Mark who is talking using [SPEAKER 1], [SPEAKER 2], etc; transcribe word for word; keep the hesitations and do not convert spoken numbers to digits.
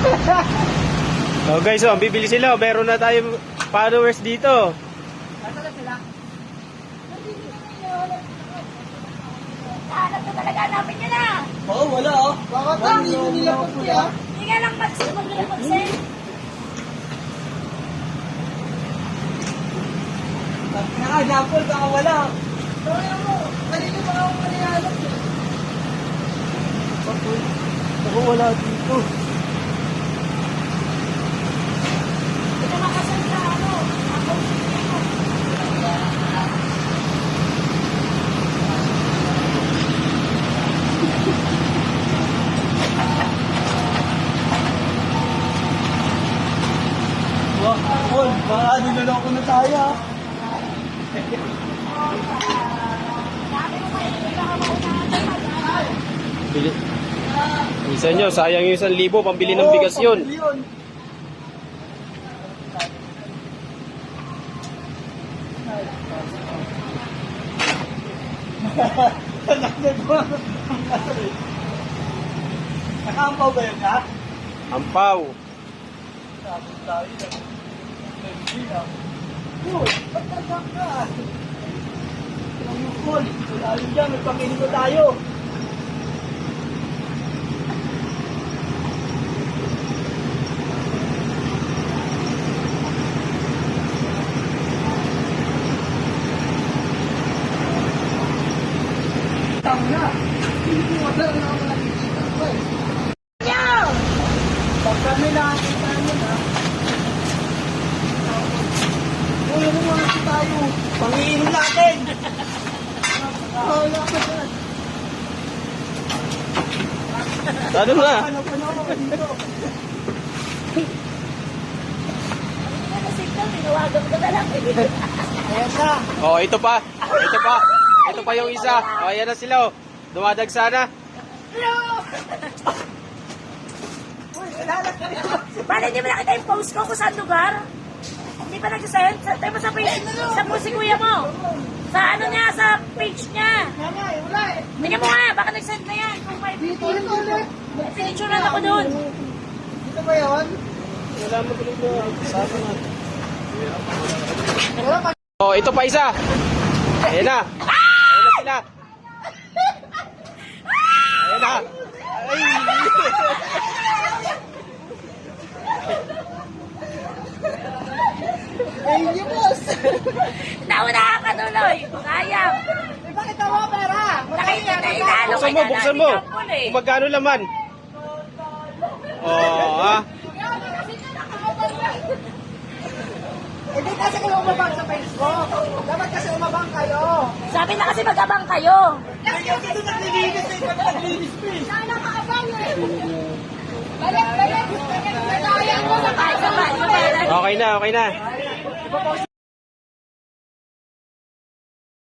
[SPEAKER 1] Oh guys, oh, bibili sila. Meron na tayo followers dito.
[SPEAKER 2] Nasaan na sila? Hanap na talaga namin yun ah.
[SPEAKER 3] Oo, wala oh. Bakit ba? Hindi ko nila puti ah.
[SPEAKER 2] Hindi nga lang mag- mag-mag-send.
[SPEAKER 3] Naka-example, baka wala.
[SPEAKER 2] Kaya mo, kanino ba ako manihanap yun?
[SPEAKER 3] Ako wala dito.
[SPEAKER 2] Ito makasal sa ano, ako.
[SPEAKER 3] Wah, Paul, baka niloloko na tayo ah.
[SPEAKER 2] Sabi mo kayo, hindi ka maunahan.
[SPEAKER 1] Bili. Isa nyo, sayang yung isang libo, pambili ng bigas yun.
[SPEAKER 3] Pambili yun. Nakaampaw ba yun ha?
[SPEAKER 1] Ampaw.
[SPEAKER 3] Sabon tayo. Nag-bili na. Uy, ba't nagak ka? Ang mukol. Wala yun dyan, magpakinig tayo. Tama. Hindi ko wala na ako nakikita ko eh.
[SPEAKER 2] Nyaw!
[SPEAKER 3] Pag kami nakakita nyo na, uy, ano mga kasi tayo? Pangiinom natin! Wala ka dyan.
[SPEAKER 1] Ano na?
[SPEAKER 3] Ano pa na ako dito?
[SPEAKER 2] Ano signal, tinawagan ko na lang.
[SPEAKER 3] Ayan na.
[SPEAKER 1] Oh, ito pa. Ito pa. Ito pa yung isa. Oh, ayan na sila. Oh. Dumadagsa na.
[SPEAKER 3] Uy, wala na kayo.
[SPEAKER 2] Bale, hindi mo nakita yung post ko kung saan lugar? Hindi pa nag-send? Sa, tayo mo sa page, sa post si kuya mo. Sa ano niya, sa page niya.
[SPEAKER 3] Nga nga eh, wala eh.
[SPEAKER 2] Tingnan mo nga, baka nag-send na yan. Kung may
[SPEAKER 3] Dito rin ulit.
[SPEAKER 2] pinicturean ako doon.
[SPEAKER 3] Dito ba yun?
[SPEAKER 1] Wala mo tuloy na. Sabi na.
[SPEAKER 3] Wala pa.
[SPEAKER 1] Oh, ito pa isa. Ayan na. Ayan na sila. Ayan na. Ay.
[SPEAKER 3] Eh, hindi boss.
[SPEAKER 2] Nauna ka tuloy. Sayang.
[SPEAKER 3] Eh, bakit ako pera?
[SPEAKER 2] Nakita na inalo
[SPEAKER 1] Buksan mo, buksan mo. Kung magkano laman. Oh, ha?
[SPEAKER 3] Hindi kasi kayo umabang sa Facebook. Dapat kasi umabang kayo.
[SPEAKER 2] Sabi na kasi mag-abang kayo.
[SPEAKER 3] Kasi kasi doon naglilinis eh. Pag naglilinis pa eh.
[SPEAKER 2] Sana ka-abang eh. Balik, balik. Sayang mo. Sabay, sabay, sabay.
[SPEAKER 1] Okay na, okay na.